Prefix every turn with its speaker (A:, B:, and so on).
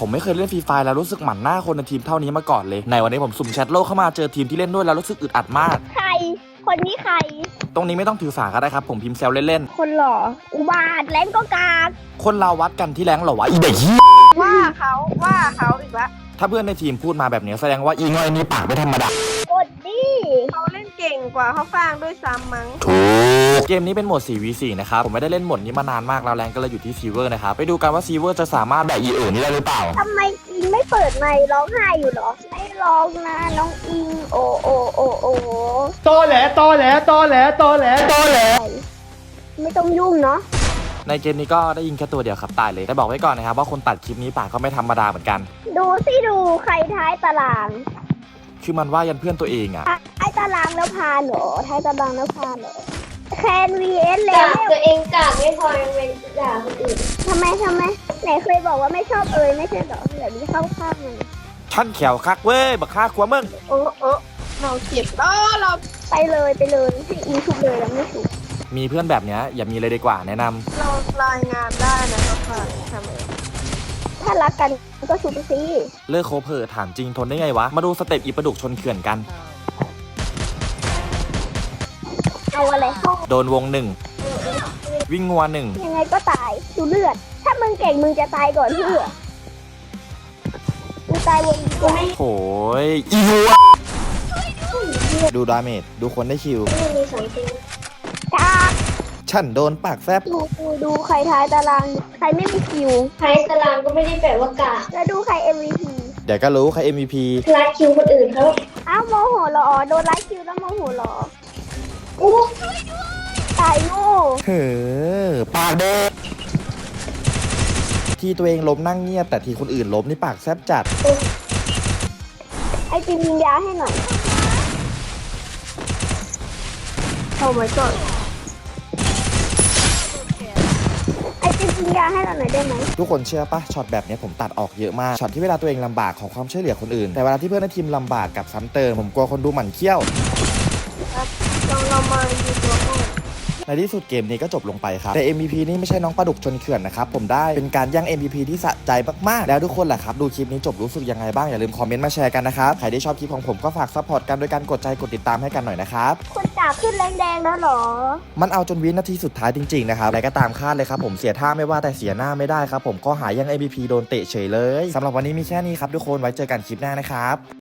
A: ผมไม่เคยเล่นฟรีไฟแล้วรู้สึกหมั่นหน้าคนในทีมเท่านี้มาก่อนเลยในวันนี้ผมสุ่มแชทโลกเข้ามาเจอทีมที่เล่นด้วยแล้วรู้สึกอึดอัดมาก
B: ใครคนนี้ใคร
A: ตรงนี้ไม่ต้องถือสาก็ได้ครับผมพิมพ์แซวเล่น
B: คนหล่ออุบาทแรงก็กาก
A: ๆคนเราวัดกันที่แรงเหรอวะอีเด็ก
C: ว่าเขาอีกแล้ว
A: ถ้าเพื่อนในทีมพูดมาแบบนี้แสดงว่าอีง่อยนี่ปากไม่ธรรมดาก
B: ดดิ
C: เขาเล่นเก่งกว่าเขาฟังด้วยซ้ำมั้ง
A: ถูกเกมนี้เป็นโหมด 4v4 นะครับผมไม่ได้เล่นโหมดนี้มานานมากแล้วแรงก็เลยอยู่ที่ซีเวอร์นะครับไปดูกันว่าซีเวอร์จะสามารถแบบอีนี่ได้หรือเปล่า
B: ทำไมอิงไม่เปิดไมค์ร้องไห้อยู่หรอไม่ร้องนะน้องอิงโอ
D: โตแหล
B: ไม่ต้องยุ่งเนาะ
A: ในเกมนี้ก็ได้ยิงแค่ตัวเดียวครับตายเลยแต่บอกไว้ก่อนนะครับว่าคนตัดคลิปนี้ปากก็ไม่ธรรมดาเหมือนกัน
B: ดูใครท้ายตาราง
A: คือมันว่ายันเพื่อนตัวเองอะ
B: ท้ายตารางแล้วพาเหรอท้ายตารางแล้วพาเหรอแคน vs เลเวล
E: ตัวเองกากไม่พอยังเป็นด่าคนอื่น
B: ทำไมไหนเคยบอกว่าไม่ชอบไม่ใช่เหรอเดี๋ยวนี้เข้าข้างมัน
A: ท่านแขวคักเว้ยบักฆ่าขวามึง
C: เราเจ็บเรา
B: ไปเลยให้อิงทุกเลยแล้วไม่ถูก
A: มีเพื่อนแบบเนี้ยอย่ามีเลยดีกว่าแนะนำ
C: เรารายงานได้นะครับทำไม
B: ถ้ารักกันก็ชุบสิ
A: เลิกโคเพอถามจริงทนได้ไงวะมาดูสเต็ปอีประดุกชนเขื่อนกัน
B: เอาอะไร
A: โดนวงหนึ่งวิ่งงัวหนึ่ง
B: ยังไงก็ตายดูเลือดถ้ามึงเก่งมึงจะตายก่อนเพื่อกูตายวงกูไม่
A: โอ้ยอีวัวดูดาเมจดูคนได้คิวฉันโดนปากแซบ
B: ดูใครท้ายตารางใครไม่มีคิว
E: ท้ายตารางก็ไม่ได้แปลว่ากาก
B: แล้วดูใคร MVP
A: เดี๋ยวก็รู้ใคร MVP
E: รัดคิวคนอื่นเขา
B: อ้าวโมโหเหรอโดนไล่คิวแล้วโมโหเหรอตายโง่
A: เฮ้อปากเด็กที่ตัวเองล้มนั่งเงียบแต่ที่คนอื่นล้มนี่ปากแซบจัด
B: ไอจิมยิงยาให้หน่อย
C: เข้าไว้ก่อน
B: ไอจิมยิงยาให้เราหน่อยได้ไหม
A: ทุกคนเชื่อปะช็อตแบบนี้ผมตัดออกเยอะมากช็อตที่เวลาตัวเองลำบากขอความช่วยเหลือคนอื่นแต่เวลาที่เพื่อนในทีมลำบากกับซ้ำเติมผมกลัวคนดูหมั่นเคี้ยว
C: เรามาอยู่ตัวก่อน
A: ในที่สุดเกมนี้ก็จบลงไปครับแต่ MVP นี่ไม่ใช่น้องปลาดุกชนเขื่อนนะครับผมได้เป็นการย่าง MVP ที่สะใจมากๆแล้วทุกคนล่ะครับดูคลิปนี้จบรู้สึกยังไงบ้างอย่าลืมคอมเมนต์มาแชร์กันนะครับใครที่ชอบคลิปของผมก็ฝากซัพพอร์ตกันโดยการกดใจกดติดตามให้กันหน่อยนะครับ
B: คนจ่าขึ้นแรงแดงแล้วหรอ
A: มันเอาจนวินาทีสุดท้ายจริงๆนะครับอะไรก็ตามคาดเลยครับผมเสียท่าไม่ว่าแต่เสียหน้าไม่ได้ครับผมก็หาย่าง MVP โดนเตะเฉยเลยสำหรับวันนี้มีแค่นี้ครับทุกคนไว้เจอกันคลิปหน้านะครับ